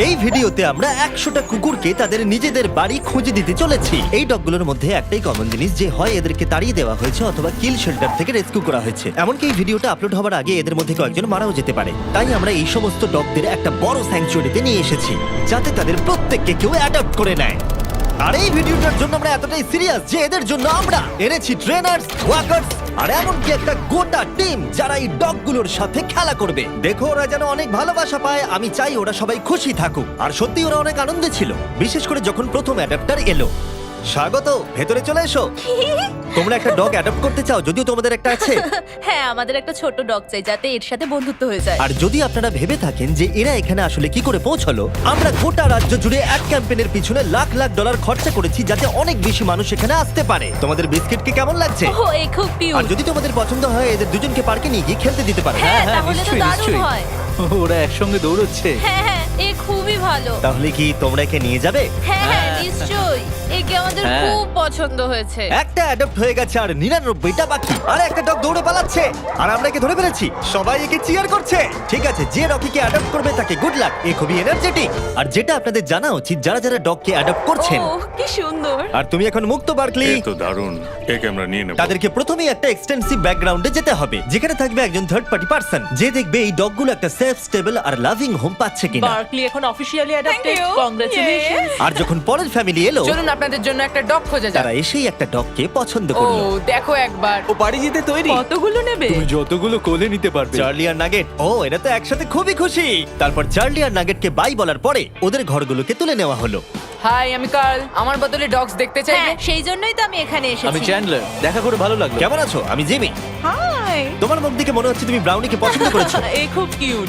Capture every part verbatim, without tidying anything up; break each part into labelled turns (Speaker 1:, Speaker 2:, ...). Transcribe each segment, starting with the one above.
Speaker 1: এই ভিডিওতে আমরা একশোটা কুকুরকে তাদের নিজেদের বাড়ি খুঁজে দিতে চলেছি। এই ডগগুলোর মধ্যে একটাই কমন জিনিস, যে হয় এদেরকে তাড়িয়ে দেওয়া হয়েছে অথবা কিল শেল্টার থেকে রেস্কিউ করা হয়েছে। এমনকি এই ভিডিওটা আপলোড হওয়ার আগে এদের মধ্যে কয়েকজন মারাও যেতে পারে। তাই আমরা এই সমস্ত ডগদের একটা বড় স্যাংচুয়ারিতে নিয়ে এসেছি, যাতে তাদের প্রত্যেককে কেউ অ্যাডপ্ট করে নেয়। আর এই ভিডিওটার জন্য আমরা এতটাই সিরিয়াস যে এদের জন্য আমরা এনেছি ট্রেনার্স, ওয়াকার্স আর এমনকি একটা গোটা টিম যারা এই ডগগুলোর সাথে খেলা করবে। দেখো ওরা যেন অনেক ভালোবাসা পায়, আমি চাই ওরা সবাই খুশি থাকুক। আর সত্যি ওরা অনেক আনন্দে ছিল, বিশেষ করে যখন প্রথম অ্যাডাপ্টার এলো। স্বাগত, ভেতরে চলে এসো। তোমরা একটা ডগ অ্যাডপ্ট করতে চাও? যদিও তোমাদের একটা আছে।
Speaker 2: হ্যাঁ, আমাদের একটা ছোট ডগ চাই যাতে এর সাথে বন্ধুত্ব হয়ে যায়।
Speaker 1: আর যদি আপনারা ভেবে থাকেন যে এরা এখানে আসলে কি করে পৌঁছলো, আমরা গোটা রাজ্য জুড়ে এক ক্যাম্পেইনের পিছনে লাখ লাখ ডলার খরচা করেছি যাতে অনেক বেশি মানুষ এখানে আসতে পারে। তোমাদের বিস্কিটকে কেমন লাগছে?
Speaker 2: ও, এই খুব
Speaker 1: আর
Speaker 2: কিউট।
Speaker 1: যদি তোমাদের পছন্দ হয় এদের দুজনকে পার্কে নিয়ে গিয়ে খেলতে দিতে পারো।
Speaker 2: হ্যাঁ,
Speaker 3: হ্যাঁ,
Speaker 2: তাহলে তো
Speaker 3: নিশ্চয়ই,
Speaker 2: দারুণ
Speaker 3: নিশ্চয়ই।
Speaker 2: হয়।
Speaker 3: ওরা একসঙ্গে দৌড়চ্ছে।
Speaker 2: হ্যাঁ হ্যাঁ, এ খুবই ভালো।
Speaker 1: তাহলে কি তোমরা একে নিয়ে যাবে?
Speaker 2: হ্যাঁ হ্যাঁ,
Speaker 3: হ্যাঁ।
Speaker 2: নিশ্চয়ই। একে আমাদের
Speaker 3: হ্যাঁ।
Speaker 2: খুব পছন্দ হয়েছে।
Speaker 1: একটা অ্যাডপ্ট হয়ে গেছে আর নিরানব্বইটা বাকি। আর একটা ডগ দৌড়ে পালাচ্ছে আর আমরা একে ধরে ফেলেছি। সবাই একে চিয়ার করছে। ঠিক আছে, যে রকিকে অ্যাডপ্ট করবে তাকে গুড লাক। এ খুবই এনার্জেটিক। আর যেটা আপনাদের জানা উচিত, যারা যারা ডগকে অ্যাডপ্ট করছেন,
Speaker 2: ও, কি সুন্দর।
Speaker 1: আর তুমি এখন মুক্ত বার্কলি,
Speaker 4: এ তো দারুণ, একে আমরা নিয়ে নেব।
Speaker 1: তাদেরকে প্রথমেই একটা এক্সটেন্সিভ ব্যাকগ্রাউন্ডে যেতে হবে, যেখানে থাকবে একজন থার্ড পার্টি পার্সন যে দেখবে এই ডগগুলো একটা সেফ, স্টেবল আর লাভিং হোম পাচ্ছে কিনা।
Speaker 5: বার্কলি এখন অফিশিয়ালি অ্যাডাপ্টেড।
Speaker 2: you.
Speaker 5: কংগ্রাচুলেশন।
Speaker 1: আর যখন পরের ফ্যামিলি এলো,
Speaker 5: চলুন আপনাদের জন্য একটা ডগ খোঁজা যাক।
Speaker 1: তারা এসেই একটা ডগকে পছন্দ
Speaker 5: ও,
Speaker 1: করলো।
Speaker 5: দেখো একবার।
Speaker 3: ও বাড়ি যেতে তৈরি।
Speaker 5: কতগুলো নেবে?
Speaker 3: তুমি যতগুলো কোলে নিতে পারবে।
Speaker 1: চার্লি আর নাগেট, ও এরা তো একসাথে খুবই খুশি। তারপর চার্লি আর নাগেটকে বাই বলার পরে ওদের ঘরগুলোকে তুলে নেওয়া হলো।
Speaker 5: হাই, আমি কার্ল। আমার বদলে ডগস দেখতে চাইবে?
Speaker 2: হ্যাঁ, সেই জন্যই তো আমি এখানে
Speaker 3: আমি
Speaker 2: এসেছি।
Speaker 3: চ্যান্ডলার, দেখা করে ভালো লাগলো।
Speaker 1: কেমন আছো? আমি জিমি।
Speaker 5: হাই।
Speaker 1: তোমার মুখ দেখে মনে হচ্ছে তুমি ব্রাউনিকে পছন্দ করেছো।
Speaker 5: এই খুব কিউট।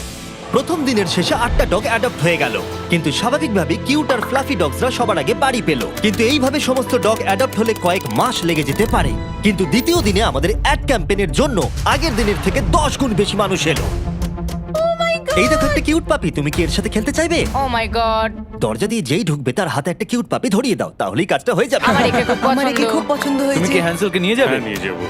Speaker 1: প্রথম দিনের শেষে আটটা ডগ অ্যাডপ্ট হয়ে গেল, কিন্তু স্বাভাবিকভাবে কিউট আর ফ্লাফি ডগসরা সবার আগে বাড়ি পেল। কিন্তু এইভাবে সমস্ত ডগ অ্যাডপ্ট হলে কয়েক মাস লেগে যেতে পারে। কিন্তু দ্বিতীয় দিনে আমাদের অ্যাড ক্যাম্পেইনের জন্য আগের দিনের থেকে দশ গুণ বেশি মানুষ এলো। এই দেখো একটা কিউট পাপি, তুমি কি এর সাথে খেলতে চাইবে?
Speaker 5: Oh my god.
Speaker 1: দরজা দিয়ে যেই ঢুকবে তার হাতে একটা কিউট পাপি ধরিয়ে দাও, তাহলেই কাজটা হয়ে যাবে।
Speaker 5: আমার একে খুব
Speaker 6: আমার একে খুব
Speaker 5: পছন্দ।
Speaker 6: পছন্দ
Speaker 3: তুমি
Speaker 6: হয়েছে।
Speaker 3: কি হ্যান্সেলকে নিয়ে যাবে?
Speaker 4: হ্যাঁ, নিয়ে যাবো।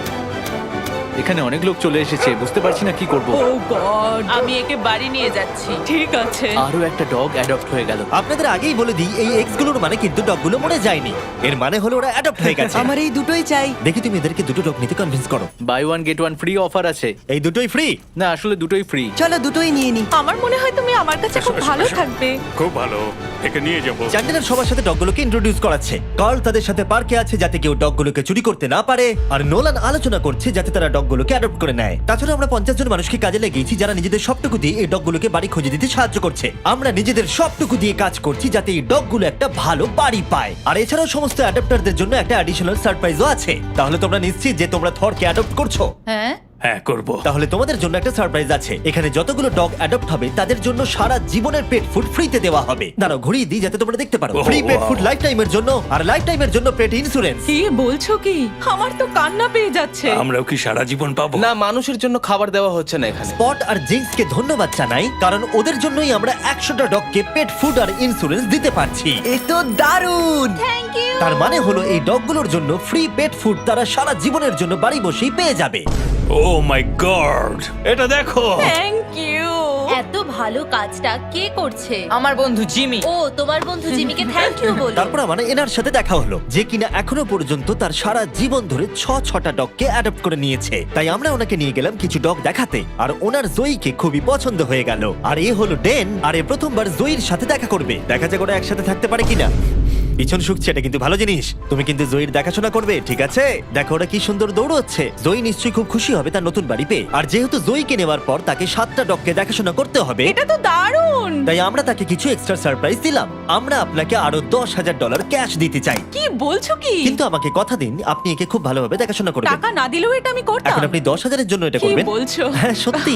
Speaker 3: এখানে অনেক লোক চলে এসেছে, বুঝতে পারছি না কি করব।
Speaker 5: Oh god. আমি একে বাড়ি নিয়ে যাচ্ছি। ঠিক আছে।
Speaker 3: আরো একটা ডগ অ্যাডপ্ট হয়ে গেল।
Speaker 1: আপনাদের আগেই বলে দিই, এই এক্স গুলোর মানে কিন্তু ডগগুলো মরে যায়নি। এর মানে হলো ওরা অ্যাডপ্ট হয়ে গেছে।
Speaker 6: আমার এই দুটোই চাই।
Speaker 1: দেখি তুমি এদেরকে দুটো ডগ নিতে কনভিন্স করো।
Speaker 3: Buy one get one free offer আছে।
Speaker 1: এই দুটোই ফ্রি।
Speaker 3: না, আসলে দুটোই ফ্রি।
Speaker 6: চলো দুটোই নিয়ে নি।
Speaker 5: আমার মনে হয় তুমি আমার কাছে খুব
Speaker 4: এসো,
Speaker 5: ভালো
Speaker 4: এসো।
Speaker 5: থাকবে।
Speaker 4: খুব ভালো, একে নিয়ে যাবো।
Speaker 1: চ্যান্ডেলার সবার সাথে ডগগুলোকে ইন্ট্রোডিউস করাচ্ছে। কার্ল তাদের সাথে পার্কে আছে যাতে কেউ ডগগুলোকে চুরি করতে না পারে, আর নোলান আলোচনা করছে যাতে তারা ডগগুলোকে অ্যাডপ্ট করে নেয়। তাছাড়া আমরা পঞ্চাশ জন মানুষকে কাজে লাগিয়েছি যারা নিজেদের সবটুকু দিয়ে এই ডগগুলোকে বাড়ি খুঁজে দিতে সাহায্য করছে। আমরা নিজেদের সবটুকু দিয়ে কাজ করছি যাতে এই ডগগুলো একটা ভালো বাড়ি পায়। আর এছাড়াও সমস্ত অ্যাডাপ্টারদের জন্য একটা অ্যাডিশনাল সারপ্রাইজও আছে। তাহলে তোমরা নিশ্চিত যে তোমরা থরকে অ্যাডপ্ট করছো?
Speaker 2: হ্যাঁ,
Speaker 4: হ্যাঁ, করবো।
Speaker 1: তাহলে তোমাদের জন্য একটা সারপ্রাইজ আছে। এখানে যতগুলো ডগ অ্যাডপ্ট হবে তাদের জন্য সারা জীবনের পেট ফুড ফ্রিতে দেওয়া হবে। দাঁড়াও ঘুরিয়ে দিই যাতে তোমরা দেখতে পারো।
Speaker 4: Oh,
Speaker 1: free pet
Speaker 4: wow.
Speaker 1: Food life টাইমের জন্য, আর লাইফ টাইমের জন্য পেট ইন্স্যুরেন্স।
Speaker 5: কি বলছো কি? আমার তো কান্না পেয়ে যাচ্ছে।
Speaker 4: আমরাও কি সারা জীবন পাবো?
Speaker 7: না, মানুষের জন্য খাবার দেওয়া হচ্ছে না এখানে।
Speaker 1: স্পট আর জিঙ্কসকে ধন্যবাদ জানাই, কারণ ওদের জন্যই আমরা একশোটা ডগকে পেট ফুড আর ইন্স্যুরেন্স দিতে পারছি।
Speaker 6: এ তো দারুণ।
Speaker 2: Thank you.
Speaker 1: তার মানে হলো এই ডগগুলোর জন্য ফ্রি পেট ফুড তারা সারা জীবনের জন্য বাড়ি বসেই পেয়ে যাবে।
Speaker 4: ও মাই গড, এটা দেখো।
Speaker 5: Thank you.
Speaker 2: এত ভালো কাজটা কে করছে?
Speaker 5: আমার বন্ধু জিমি।
Speaker 2: ও, তোমার বন্ধু জিমিকে থ্যাংক ইউ বলো।
Speaker 1: তারপর আমার এনার সাথে দেখা হলো, যে কিনা এখনো পর্যন্ত তার সারা জীবন ধরে ছ ছটা ডগকে অ্যাডপ্ট করে নিয়েছে। তাই আমরা ওনাকে নিয়ে গেলাম কিছু ডগ দেখাতে, আর ওনার জয়ীকে খুবই পছন্দ হয়ে গেল। আর এ হলো ডেন, আর এ প্রথমবার জয়ীর সাথে দেখা করবে। দেখা যাক ওরা একসাথে থাকতে পারে কিনা। পিছন শুকছে, এটা কিন্তু ভালো জিনিস। তুমি কিন্তু জয়ীর দেখাশোনা করবে, ঠিক আছে? দেখো ওরা কি সুন্দর দৌড়চ্ছে। জয়ী নিশ্চয়ই খুব খুশি হবে তার নতুন বাড়ি পেয়ে। আর যেহেতু জয়ীকে নেওয়ার পর তাকে সাতটা ডগকে দেখাশোনা করতে হবে,
Speaker 5: এটা তো দারুণ।
Speaker 1: তাই আমরা তাকে কিছু এক্সট্রা সারপ্রাইজ দিলাম। আমরা আপনাকে আরো দশ হাজার ডলার ক্যাশ দিতে চাই,
Speaker 5: কি বলছো কি?
Speaker 1: কিন্তু আমাকে কথা দিন আপনি একে খুব ভালোভাবে দেখাশোনা করবেন।
Speaker 5: টাকা না দিলেও এটা আমি করতাম।
Speaker 1: এখন আপনি দশ হাজারের জন্য এটা
Speaker 5: কি
Speaker 1: করবেন?
Speaker 5: বলছো?
Speaker 1: হ্যাঁ, সত্যি।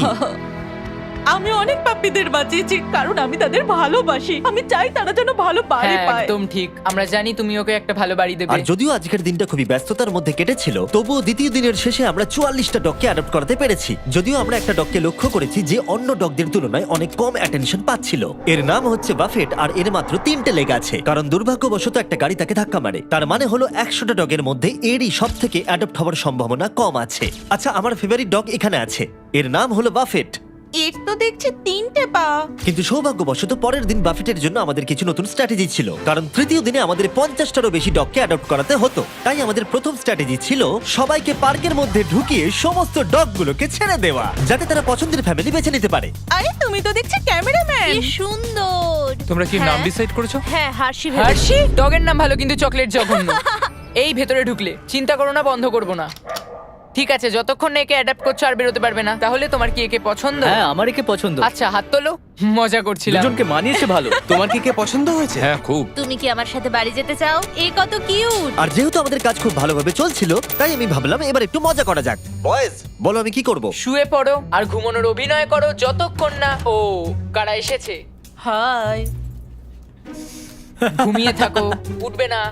Speaker 5: আমি অনেক পাপ্পিদের বাঁচিয়েছি কারণ আমি তাদের ভালোবাসি। আমি চাই তারা যেন ভালো বাড়ি
Speaker 8: হ্যাঁ,
Speaker 5: পায়।
Speaker 8: একদম ঠিক। আমরা জানি তুমি ওকে একটা ভালো বাড়ি দেবে।
Speaker 1: আর যদিও আজকের দিনটা খুবই ব্যস্ততার মধ্যে কেটেছিল, তবুও দ্বিতীয় দিনের শেষে আমরা চুয়াল্লিশটা ডগকে অ্যাডপ্ট করাতে পেরেছি। যদিও আমরা একটা ডগকে লক্ষ্য করেছি যে অন্য ডগদের তুলনায় অনেক কম অ্যাটেনশন পাচ্ছিল। এর নাম হচ্ছে বাফেট, আর এর মাত্র তিনটে লেগ আছে, কারণ দুর্ভাগ্যবশত একটা গাড়ি তাকে ধাক্কা মারে। তার মানে হলো একশোটা ডগের মধ্যে এরই সব থেকে অ্যাডপ্ট হওয়ার সম্ভাবনা কম আছে। আচ্ছা, আমার ফেভারিট ডগ এখানে আছে, এর নাম হলো বাফেট।
Speaker 5: এর তো দেখছি তিনটে পা।
Speaker 1: কিন্তু সৌভাগ্যবশত পরের দিন বাফেটের জন্য আমাদের কিছু নতুন স্ট্র্যাটেজি ছিল, কারণ তৃতীয় দিনে আমাদের পঞ্চাশটারও বেশি ডগকে অ্যাডপ্ট করাতে হতো। তাই আমাদের প্রথম স্ট্র্যাটেজি ছিল সবাইকে পার্কের মধ্যে ঢুকিয়ে সমস্ত ডগগুলোকে ছেড়ে দেওয়া, যাতে তারা পছন্দের ফ্যামিলি বেছে নিতে পারে।
Speaker 5: আরে তুমি তো দেখছি ক্যামেরাম্যান।
Speaker 2: কি সুন্দর।
Speaker 3: তোমরা কি নাম
Speaker 2: হ্যাঁ।
Speaker 3: ডিসাইড করেছো?
Speaker 2: হ্যাঁ, হার্ষি ভেবেছি।
Speaker 8: হার্ষি ডগের নাম ভালো কিন্তু চকলেট জঘন্য। এই ভেতরে ঢুকলে চিন্তা করো না, বন্ধ করবো না। ঠিক আছে, যতক্ষণ না একে অ্যাডাপ্ট করছো আর বেরোতে পারবে না। তাহলে তোমার কি একে পছন্দ?
Speaker 3: হ্যাঁ, আমার একে পছন্দ।
Speaker 8: আচ্ছা, হাত তোলো। মজা করছিলাম।
Speaker 3: দুজনকে মানিয়েছে ভালো।
Speaker 7: তোমার কি কে পছন্দ হয়েছে?
Speaker 3: হ্যাঁ, খুব।
Speaker 2: তুমি কি আমার সাথে বাড়ি যেতে চাও? এই কত কিউট।
Speaker 1: আর যেহেতু আমাদের কাজ খুব ভালোভাবে চলছিল, তাই আমি ভাবলাম এবার একটু মজা করা যাক। বয়েজ, বলো আমি কি করব?
Speaker 8: শুয়ে পড়ো আর ঘুমানোর অভিনয় করো যতক্ষণ না ও কারা এসেছে।
Speaker 5: হাই।
Speaker 8: ঘুমিয়ে থাকো, উঠবে না।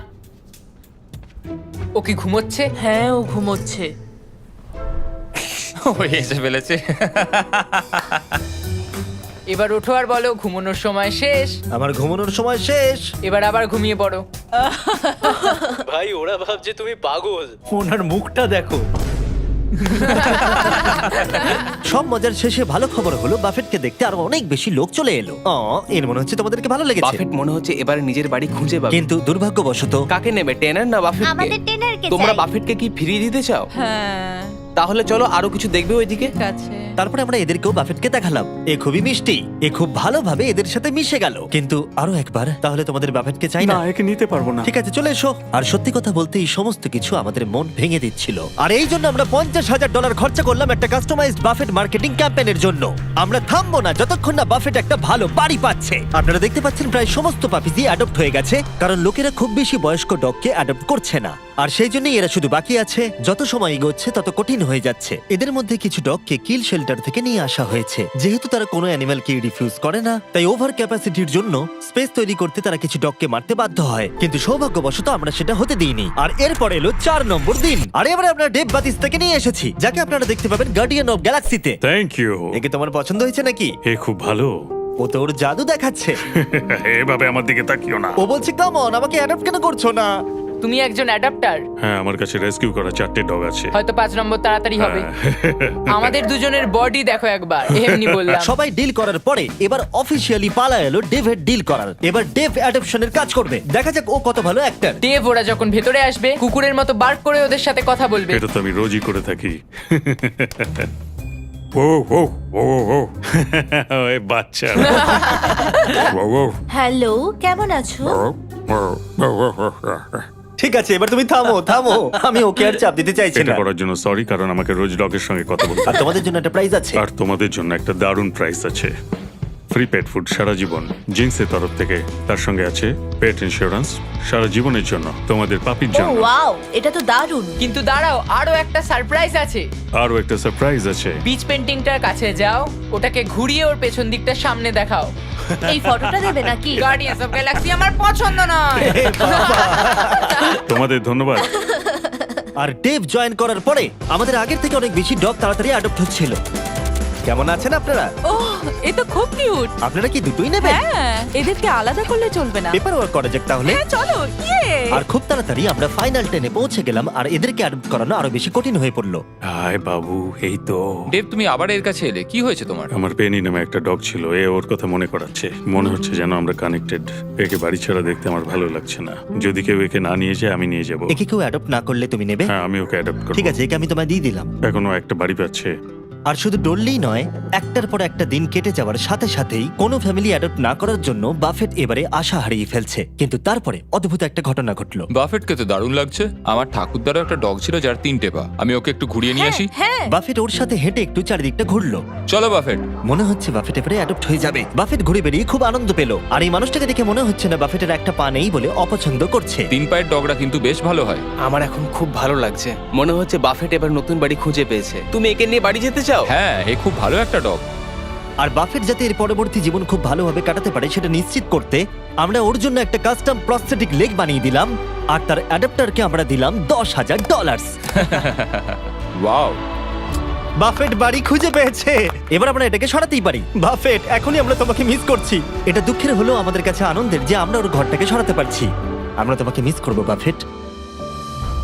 Speaker 8: ও কি ঘুমোচ্ছে?
Speaker 5: হ্যাঁ, ও ঘুমোচ্ছে।
Speaker 3: ও এসে ফেলেছে।
Speaker 8: এবার ওঠো আর বলো ঘুমানোর সময় শেষ।
Speaker 1: আমার ঘুমানোর সময় শেষ।
Speaker 8: এবার আবার ঘুমিয়ে পড়ো।
Speaker 7: ভাই ওরা ভাবছে তুমি পাগল।
Speaker 3: ওনার মুখটা দেখো।
Speaker 1: সব মজার শেষে ভালো খবর হলো বাফেটকে দেখতে আরো অনেক বেশি লোক চলে এলো। অ, এর মনে হচ্ছে তোমাদেরকে ভালো লেগেছে।
Speaker 7: বাফেট মনে হচ্ছে এবার নিজের বাড়ি খুঁজে পাবে।
Speaker 1: কিন্তু দুর্ভাগ্যবশত
Speaker 7: কাকে নেবে, টেনার না বাফেটকে?
Speaker 2: আমাদের টেনারকে
Speaker 7: তোমরা
Speaker 2: চাই।
Speaker 7: বাফেটকে কি ফিরিয়ে দিতে চাও?
Speaker 5: হ্যাঁ,
Speaker 7: তাহলে চলো আরো কিছু দেখবে ওইদিকে।
Speaker 5: ঠিক আছে।
Speaker 1: তারপরে আমরা এদেরকেও বাফেটকে দেখালাম। এ খুবই মিষ্টি, এ খুব ভালোভাবে এদের সাথে মিশে গেল। কিন্তু আরো একবার, তাহলে তোমাদের বাফেটকে চাই না?
Speaker 4: একে নিতে পারবো না।
Speaker 1: ঠিক আছে, চলে এসো। আর সত্যি কথা বলতে এই সমস্ত কিছু আমাদের মন ভেঙে দিচ্ছিল। আর এই জন্য আমরা পঞ্চাশ হাজার ডলার খরচা করলাম একটা কাস্টমাইজড বাফেট মার্কেটিং ক্যাম্পেইনের জন্য। আমরা থামবো না যতক্ষণ না বাফেট একটা ভালো বাড়ি পাচ্ছে। আপনারা দেখতে পাচ্ছেন প্রায় সমস্ত পাপিজি অ্যাডপ্ট হয়ে গেছে, কারণ লোকেরা খুব বেশি বয়স্ক ডগকে অ্যাডপ্ট করছে না। আর সেই জন্যই এরা শুধু বাকি আছে। যত সময় এগোচ্ছে তত কঠিন হয়ে যাচ্ছে। এদের মধ্যে কিছু ডগকে কিল শেল্টার থেকে নিয়ে আসা হয়েছে। যেহেতু তারা কোনো অ্যানিমালকে রিফিউজ করে না, তাই ওভার ক্যাপাসিটির জন্য স্পেস তৈরি করতে তারা কিছু ডগকে মারতে বাধ্য হয়। কিন্তু সৌভাগ্যবশত আমরা সেটা হতে দিইনি। আর এরপর এলো চার নম্বর দিন। আর এবারে আমরা ডেভ বাতিস্তাকে নিয়ে এসেছি, যাকে আপনারা দেখতে পাবেন গার্ডিয়ান অফ গ্যালাক্সিতে।
Speaker 4: Thank you.
Speaker 1: একে তোমার পছন্দ হয়েছে নাকি?
Speaker 4: এ খুব ভালো।
Speaker 1: ও তো ওর জাদু দেখাচ্ছে।
Speaker 4: এভাবে আমার দিকে তাকিও না।
Speaker 1: ও বলছে কাম অন, আমাকে অ্যাডপ্ট কেন করছো না?
Speaker 8: তুমি একজন অ্যাডাপ্টার।
Speaker 4: হ্যাঁ, আমার কাছে রেস্কিউ করা চারটে ডগ আছে।
Speaker 8: হয়তো পাঁচ নম্বর তাড়াতাড়ি হবে। আমাদের দুজনের বডি দেখো একবার। এমনি বললাম।
Speaker 1: সবাই ডিল করার পরে এবার অফিসিয়ালি পালা এলো ডেভের ডিল করার। এবার ডেভ অ্যাডপশনের কাজ করবে। দেখা যাক ও কত ভালো অ্যাক্টর।
Speaker 8: ডেভ ওরা যখন ভেতরে আসবে কুকুরের মতো বার্ক করে ওদের সাথে কথা বলবে।
Speaker 4: এটা তো আমি রোজই করে থাকি। ও ও ও ও এই বাচ্চা। ও ও
Speaker 2: হ্যালো, কেমন আছো?
Speaker 1: ঠিক আছে, এবার তুমি থামো থামো। আমি ওকে আর চাপ দিতে চাইছি
Speaker 4: এটা
Speaker 1: না।
Speaker 4: করার জন্য সরি, কারণ আমাকে রোজ ডগের সঙ্গে কথা বলতে
Speaker 1: আর তোমাদের জন্য একটা প্রাইজ আছে।
Speaker 4: আর তোমাদের জন্য একটা দারুণ প্রাইস আছে। ফ্রি পেট ফুড সারা জীবন জিন্সের তরফ থেকে। তার সঙ্গে আছে পেট ইন্স্যুরেন্স সারা জীবনের জন্য তোমাদের পাপির
Speaker 2: ও
Speaker 4: জন্য।
Speaker 2: ওয়াও, এটা তো দারুণ।
Speaker 8: কিন্তু দাঁড়াও, আরো একটা সারপ্রাইজ আছে।
Speaker 4: আরও একটা সারপ্রাইজ আছে।
Speaker 8: বিচ পেন্টিংটার কাছে যাও, ওটাকে ঘুরিয়ে ওর পেছন দিকটা সামনে দেখাও।
Speaker 2: এই ফটোটা দেবে নাকি?
Speaker 8: গার্ডিয়ান্স অফ গ্যালাক্সি আমার পছন্দ নয়।
Speaker 4: তোমাদের ধন্যবাদ।
Speaker 1: আর ডেভ জয়েন করার পরে আমাদের আগের থেকে অনেক বেশি ডগ তাড়াতাড়ি অ্যাডপ্ট হচ্ছিল। কেমন আছেন আপনারা?
Speaker 5: ওহ, এ তো খুব কিউট।
Speaker 1: আপনারা কি দুটোই নেবেন?
Speaker 5: হ্যাঁ, এদেরকে আলাদা করলে চলবে না।
Speaker 1: পেপার ওয়ার্ক করা যাক তাহলে।
Speaker 5: হ্যাঁ, চলো। ইয়ে।
Speaker 1: আর খুব তাড়াতাড়ি আমরা ফাইনাল টেনে পৌঁছে গেলাম। আর এদেরকে অ্যাডপ্ট করানো আরো বেশি কঠিন হয়ে পড়লো।
Speaker 4: হাই বাবু, এই তো।
Speaker 9: দেব, তুমি আবার এর কাছে এলে, কি হয়েছে তোমার?
Speaker 4: আমার পেনি নামে একটা ডগ ছিল, এ ওর কথা মনে করাচ্ছে। মনে হচ্ছে যেন আমরা কানেক্টেড। একে বাড়ি ছাড়া দেখতে আমার ভালো লাগছে না। যদি কেউ একে না নিয়ে যায় আমি নিয়ে যাব।
Speaker 1: একে কেউ অ্যাডপ্ট না করলে তুমি নেবে?
Speaker 4: হ্যাঁ, আমি ওকে অ্যাডাপ্ট করব।
Speaker 1: ঠিক আছে, একে আমি তোমায় দিয়ে দিলাম।
Speaker 4: এখনো একটা বাড়ি পাচ্ছে।
Speaker 1: আর শুধু ডললেই নয়, একটার পর একটা দিন কেটে যাওয়ার সাথে সাথেই কোনো ফ্যামিলি অ্যাডপ্ট না করার জন্য বাফেট এবারে আশা হারিয়ে ফেলছে। কিন্তু তারপরে অদ্ভুত একটা ঘটনা ঘটলো।
Speaker 9: বাফেটকে তো দারুণ লাগছে। আমার ঠাকুরদারও একটা ডগ ছিল যার তিনটে পা। আমি ওকে একটু ঘুরিয়ে নিয়ে আসি।
Speaker 2: হ্যাঁ,
Speaker 1: বাফেট ওর সাথে হেঁটে একটু চারিদিকটা ঘুরলো।
Speaker 9: চলো বাফেট।
Speaker 1: মনে হচ্ছে বাফেট এবারে অ্যাডপ্ট হয়ে যাবে। বাফেট ঘুরে বেরিয়ে খুব আনন্দ পেল। আর এই মানুষটাকে দেখে মনে হচ্ছে না বাফেটের একটা পা নেই বলে অপছন্দ করছে।
Speaker 9: তিন পায়ের ডগরা কিন্তু বেশ ভালো হয়।
Speaker 7: আমার এখন খুব ভালো লাগছে। মনে হচ্ছে বাফেট এবার নতুন বাড়ি খুঁজে পেয়েছে। তুমি একে নিয়ে বাড়ি যেতে চাও?
Speaker 9: হ্যাঁ, এ খুব ভালো একটা ডগ।
Speaker 1: আর বাফেট যাতে এর পরবর্তী জীবন খুব ভালোভাবে কাটাতে পারে সেটা নিশ্চিত করতে আমরা ওর জন্য একটা কাস্টম প্রস্থেটিক লেগ বানিয়ে দিলাম। আর তার অ্যাডাপ্টারকে আমরা দিলাম দশ হাজার ডলার।
Speaker 9: ওয়াও,
Speaker 1: বাফেট বাড়ি খুঁজে পেয়েছে। এবার আমরা এটাকে সরাতেই পারি। বাফেট, এখনই আমরা তোমাকে মিস করছি। এটা দুঃখের হলেও আমাদের কাছে আনন্দের যে আমরা ওর ঘরটাকে সরাতে পারছি। আমরা তোমাকে মিস করবো বাফেট।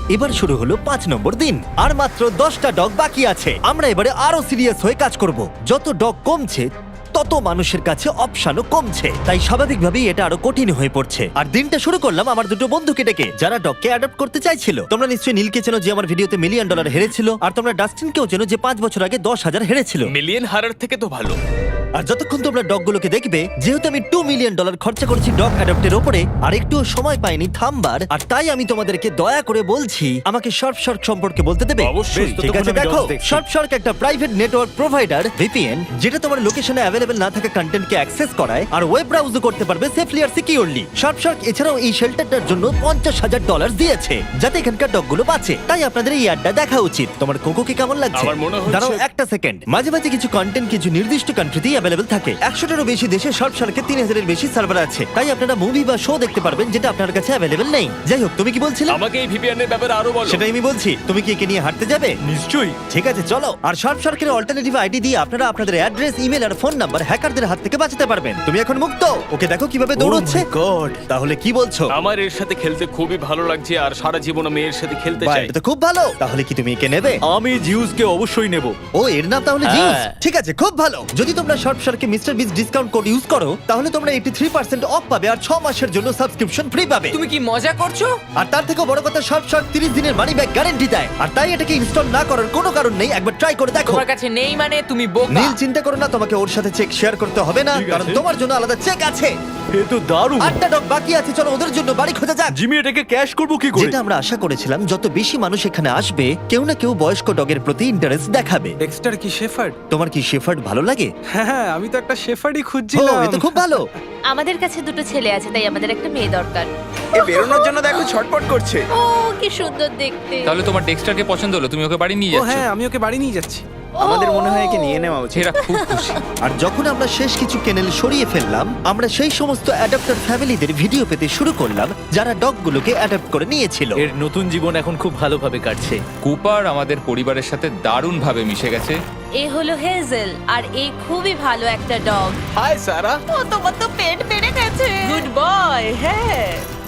Speaker 1: এবার শুরু হলো পাঁচ নম্বর দিন আর মাত্র দশটা ডগ বাকি আছে। আমরা এবারে আরো সিরিয়াস হয়ে কাজ করব। যত ডগ কমছে তত মানুষের কাছে অপশনও কমছে, তাই স্বাভাবিকভাবেই এটা আরো কঠিন হয়ে পড়ছে। আর দিনটা শুরু করলাম আমার দুটো বন্ধুকে ডেকে, যারা ডগকে অ্যাডপ্ট করতে চাইছিল। তোমরা নিশ্চয়ই নীলকে চেনো, যে আমার ভিডিওতে মিলিয়ন ডলার হেরেছিল, আর তোমরা ডাস্টিনকেও চেনো, যে পাঁচ বছর আগে দশ হাজার হেরেছিল।
Speaker 7: মিলিয়ন হারার থেকে তো ভালো।
Speaker 1: আর যতক্ষণ তোমরা ডগগুলোকে দেখবে, যেহেতু আমি টু মিলিয়ন ডলার খরচা করেছি ডগ অ্যাডপ্টের ওপরে, আর একটুও সময় পাইনি থামবার, আর তাই আমি তোমাদেরকে দয়া করে বলছি আমাকে শার্প শার্ক সম্পর্কে বলতে দেবে।
Speaker 3: অবশ্যই।
Speaker 1: ঠিক আছে,
Speaker 3: ততক্ষণ আমি
Speaker 1: দেখো
Speaker 3: dogs দেখছি।
Speaker 1: শার্প শার্ক একটা প্রাইভেট নেটওয়ার্ক প্রোভাইডার ভিপিএন, যেটা তোমার লোকেশনে অ্যাভেলেবল না থাকা কন্টেন্টকে অ্যাক্সেস করায় আর ওয়েব ব্রাউজও করতে পারবে সেফলি আর সিকিউরলি। শার্প শার্ক এছাড়াও এই শেল্টারটার জন্য পঞ্চাশ হাজার ডলার দিয়েছে, যাতে এখানকার ডগগুলো বাঁচে। তাই আপনাদের এই অ্যাডটা দেখা উচিত। তোমার কোকোকে কেমন লাগছে?
Speaker 7: আমার মনে হচ্ছে-
Speaker 1: দাঁড়াও একটা সেকেন্ড। মাঝে মাঝে কিছু কন্টেন্ট কিছু নির্দিষ্ট কান্ট্রিতেই অ্যাভেলেবল থাকে। একশোটারও বেশি দেশে শার্প শার্কের তিন হাজারের বেশি সার্ভার আছে, তাই আপনারা মুভি বা শো দেখতে পারবেন যেটা আপনার কাছে অ্যাভেলেবল নেই। যাই হোক, তুমি কি বলছিলে?
Speaker 7: আমাকে এই ভিপিএন এর ব্যাপারে আরো বলো।
Speaker 1: সেটাই আমি বলছি। তুমি কি একে নিয়ে হাঁটতে যাবে?
Speaker 3: নিশ্চয়ই।
Speaker 1: ঠিক আছে, চলো। আর শার্প শার্কের অল্টারনেটিভ আইডি দিয়ে আপনারা আপনাদের অ্যাড্রেস, ইমেল আর ফোন নাম্বার হ্যাকারদের হাত থেকে বাঁচাতে পারবেন। তুমি এখন মুক্ত। ওকে দেখো কিভাবে দৌড়চ্ছে।
Speaker 7: গড,
Speaker 1: তাহলে কি বলছো?
Speaker 7: আমার এর সাথে খেলতে খুবই ভালো লাগছে আর সারা জীবন আমি এর সাথে খেলতে
Speaker 1: বাহ,
Speaker 7: চাই।
Speaker 1: এটা তো খুব ভালো। তাহলে কি তুমি একে নেবে?
Speaker 3: আমি জিউসকে অবশ্যই নেব।
Speaker 1: ও, এর নাম তাহলে
Speaker 3: হ্যাঁ।
Speaker 1: জিউস। ঠিক আছে, খুব ভালো। যদি তোমরা শার্প শার্কে mister Beast discount code use করো, তাহলে তোমরা এইটি পার্সেন্ট অফ পাবে আর ছ মাসের জন্য সাবস্ক্রিপশন ফ্রি পাবে।
Speaker 8: তুমি কি মজা করছো?
Speaker 1: আর তার থেকেও বড় কথা, শার্প শার্ক তিরিশ দিনের মানি ব্যাক গ্যারান্টি দেয়। আর তাই এটাকে ইনস্টল না করার কোনো কারণ নেই। একবার ট্রাই করে দেখো।
Speaker 8: তোমার কাছে নেই মানে তুমি বোকা।
Speaker 1: নীল, চিন্তা করো না, তোমাকে ওর সাথে চেক শেয়ার করতে হবে না,
Speaker 3: ঠিক আছে।
Speaker 1: কারণ তোমার জন্য আলাদা চেক আছে।
Speaker 3: এ তো দারুণ।
Speaker 1: আটটা ডগ বাকি আছে, চলো ওদের জন্য বাড়ি খোঁজা যাক।
Speaker 3: জিমি, এটাকে ক্যাশ করব কি করে?
Speaker 1: যেটা আমরা আশা করেছিলাম, যত বেশি মানুষ এখানে আসবে, কেউ না কেউ বয়স্ক ডগের প্রতি ইন্টারেস্ট দেখাবে।
Speaker 10: ডেক্সটার কি শেফার্ড?
Speaker 1: তোমার কি শেফার্ড ভালো লাগে?
Speaker 10: হ্যাঁ, আমি তো একটা শেফার্ডই
Speaker 1: ও,
Speaker 10: খুঁজছিলাম।
Speaker 1: এ তো খুব ভালো।
Speaker 2: আমাদের কাছে দুটো ছেলে আছে, তাই আমাদের একটা মেয়ে দরকার।
Speaker 7: এ বেরোনোর জন্য দেখো ছটপট করছে।
Speaker 2: ও কি সুন্দর দেখতে।
Speaker 9: তাহলে তোমার ডেক্সটারকে পছন্দ হলো, তুমি ওকে বাড়ি নিয়ে
Speaker 10: ও
Speaker 9: যাচ্ছ।
Speaker 10: হ্যাঁ, আমি ওকে বাড়ি নিয়ে যাচ্ছি।
Speaker 7: আমাদের মনে হয় একে নিয়ে নেওয়া উচিত।
Speaker 9: এরা খুব খুশি।
Speaker 1: আর যখন আমরা শেষ কিছু কেনেল সরিয়ে ফেললাম, আমরা সেই সমস্ত অ্যাডাপ্টার ফ্যামিলিদের ভিডিও পেতে শুরু করলাম, যারা ডগগুলোকে অ্যাডাপ্ট করে নিয়েছিল।
Speaker 3: এর নতুন জীবন এখন খুব ভালোভাবে কাটছে।
Speaker 9: কুপার আমাদের পরিবারের সাথে দারুণভাবে মিশে গেছে।
Speaker 2: এ হলো হেজেল, আর এ খুবই ভালো একটা ডগ।
Speaker 7: হাই সারা।
Speaker 2: ও, তোমার তো পেট বেড়ে গেছে।
Speaker 5: Good boy. হ্যাঁ,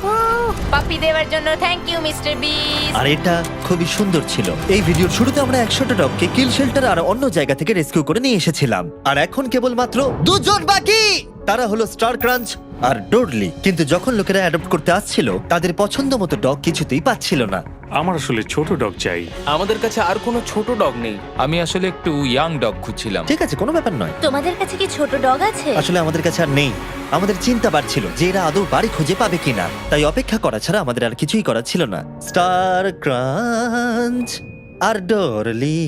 Speaker 2: পাপি দেওয়ার জন্য থ্যাংক ইউ মিস্টার বিস।
Speaker 1: আর এটা খুবই সুন্দর ছিল। এই ভিডিওর শুরুতে আমরা একশোটা ডগকে কিল শেল্টার আর অন্য জায়গা থেকে রেস্কিউ করে নিয়ে এসেছিলাম, আর এখন কেবলমাত্র দুজন বাকি। তারা হলো স্টার ক্রাঞ্চ আর ডোরলি। কিন্তু যখন লোকেরা অ্যাডপ্ট করতে আসছিল, তাদের পছন্দ মতো ডগ কিছুতেই পাচ্ছিল না।
Speaker 4: আমার আসলে ছোট ডগ চাই।
Speaker 7: আমাদের কাছে আর কোনো ছোট ডগ নেই।
Speaker 9: আমি আসলে একটু ইয়াং ডগ খুঁজছিলাম।
Speaker 1: ঠিক আছে, কোনো ব্যাপার নয়।
Speaker 2: তোমাদের কাছে কি ছোট ডগ আছে?
Speaker 1: আসলে আমাদের কাছে আর নেই। আমাদের চিন্তা বাড়ছিল যে এরা আদৌ বাড়ি খুঁজে পাবে কিনা, তাই অপেক্ষা করা ছাড়া আমাদের আর কিছুই করার ছিল না। স্টার ক্রাঞ্চ আর ডরলি।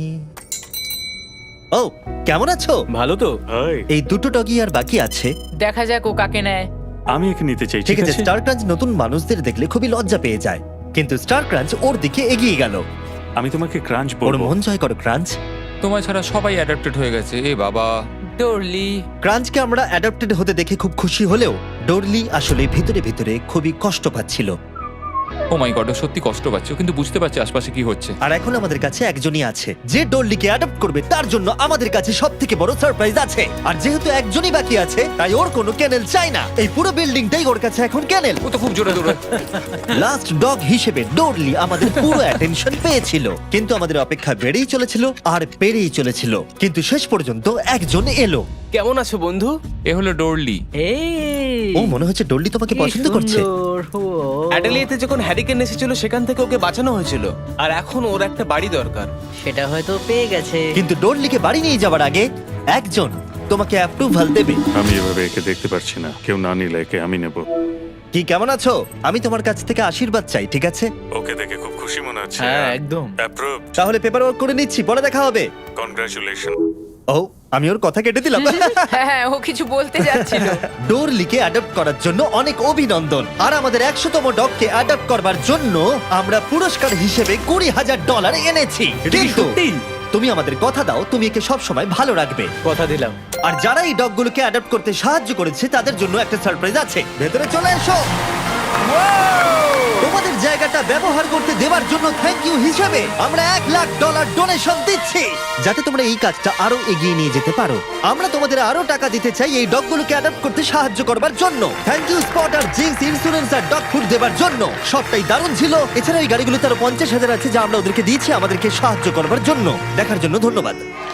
Speaker 1: ও, কেমন আছো?
Speaker 3: ভালো তো?
Speaker 4: হাই,
Speaker 1: এই দুটো ডগই আর বাকি আছে।
Speaker 8: দেখা যাক ও কাকে নেয়।
Speaker 4: আমি একে নিতে চাই।
Speaker 1: ঠিক আছে, স্টার ক্রাঞ্চ নতুন মানুষদের দেখলে খুবই লজ্জা পেয়ে যায়, কিন্তু স্টার ক্রাঞ্চ ওর দিকে এগিয়ে গেল।
Speaker 4: আমি তোমাকে ক্রাঞ্চ
Speaker 1: ওর
Speaker 4: বলবো।
Speaker 1: মন জয় করো ক্রাঞ্চ।
Speaker 9: তোমার ছাড়া সবাই অ্যাডাপ্টেড হয়ে গেছে। এ বাবা।
Speaker 8: ডরলি।
Speaker 1: ক্রাঞ্চকে আমরা অ্যাডাপ্টেড হতে দেখে খুব খুশি হলেও ডোরলি আসলে ভিতরে ভিতরে খুবই কষ্ট পাচ্ছিল।
Speaker 9: ও মাই গড, ও সত্যি কষ্ট পাচ্ছে, ও কিন্তু বুঝতে পারছে আশপাশে কি হচ্ছে।
Speaker 1: আর এখন আমাদের কাছে একজনই আছে যে ডোরলিকে অ্যাডপ্ট করবে। তার জন্য আমাদের কাছে সব থেকে বড় সারপ্রাইজ আছে। আর যেহেতু একজনই বাকি আছে, তাই ওর কোনো ক্যানেল চাই না। এই পুরো বিল্ডিংটাই ওর কাছে এখন ক্যানেল।
Speaker 9: ও তো খুব জোরে দৌড়ায়।
Speaker 1: লাস্ট ডগ হিসেবে ডোরলি আমাদের পুরো অ্যাটেনশন পেয়েছিল, কিন্তু আমাদের অপেক্ষা বেড়েই চলেছিল আর বেড়েই চলেছিল। কিন্তু শেষ পর্যন্ত একজন এলো।
Speaker 7: কেমন আছো বন্ধু?
Speaker 9: এ হলো ডোরলি।
Speaker 5: এই
Speaker 1: ও, মনে হচ্ছে ডোরলি তোমাকে
Speaker 5: কি
Speaker 1: পছন্দ করছে।
Speaker 5: সুন্দর। ও,
Speaker 7: অ্যাডেলিয়াতে যখন হ্যারিকেন এসেছিল সেখান থেকে ওকে বাঁচানো হয়েছিল, আর এখন ওর একটা বাড়ি দরকার।
Speaker 5: সেটা হয়তো পেয়ে গেছে।
Speaker 1: কিন্তু ডোরলিকে বাড়ি নিয়ে যাওয়ার আগে একজন তোমাকে অ্যাপ্রুভাল দেবে।
Speaker 4: আমি এভাবে একে দেখতে পারছি না। কেউ না নিলে একে আমি নেব।
Speaker 1: কি, কেমন আছো? আমি তোমার কাছ থেকে আশীর্বাদ চাই, ঠিক আছে?
Speaker 4: ওকে দেখে খুব খুশি মনে হচ্ছে।
Speaker 3: হ্যাঁ, একদম।
Speaker 4: অ্যাপ্রুভ।
Speaker 1: তাহলে পেপার ওয়ার্ক করে নিচ্ছি, পরে দেখা হবে।
Speaker 4: কনগ্রাচুলেশন।
Speaker 1: ও, আমি ওর কথা কেটে দিলাম।
Speaker 8: হ্যাঁ হ্যাঁ, ও কিছু বলতে যাচ্ছিল।
Speaker 1: ডোরলিকে অ্যাডপ্ট করার জন্য অনেক অভিনন্দন। আর আমাদের একশোতম ডগকে অ্যাডপ্ট করবার জন্য আমরা পুরস্কার হিসেবে কুড়ি হাজার ডলার এনেছি।
Speaker 3: এটা কি
Speaker 1: কিন্তু
Speaker 3: সত্যি?
Speaker 1: তুমি আমাদের কথা দাও, তুমি একে সব সময় ভালো রাখবে।
Speaker 3: কথা দিলাম।
Speaker 1: আর যারা এই ডগগুলোকে অ্যাডপ্ট করতে সাহায্য করেছে, তাদের জন্য একটা সারপ্রাইজ আছে। ভেতরে চলে এসো। তোমাদের জায়গাটা ব্যবহার করতে দেওয়ার জন্য থ্যাংক ইউ হিসেবে আমরা এক লাখ ডলার ডোনেশন দিচ্ছি, যাতে তোমরা এই কাজটা আরো এগিয়ে নিয়ে যেতে পারো। আমরা তোমাদের আরো টাকা দিতে চাই এই ডগগুলোকে অ্যাডাপ্ট করতে সাহায্য করবার জন্য। থ্যাংক ইউ স্পট আর জিন্স ইন্স্যুরেন্স আর ডগ ফুড দেওয়ার জন্য। সবটাই দারুণ ছিল। এছাড়া এই গাড়িগুলোতে আরো পঞ্চাশ হাজার আছে যা আমরা ওদেরকে দিয়েছি আমাদেরকে সাহায্য করবার জন্য। দেখার জন্য ধন্যবাদ।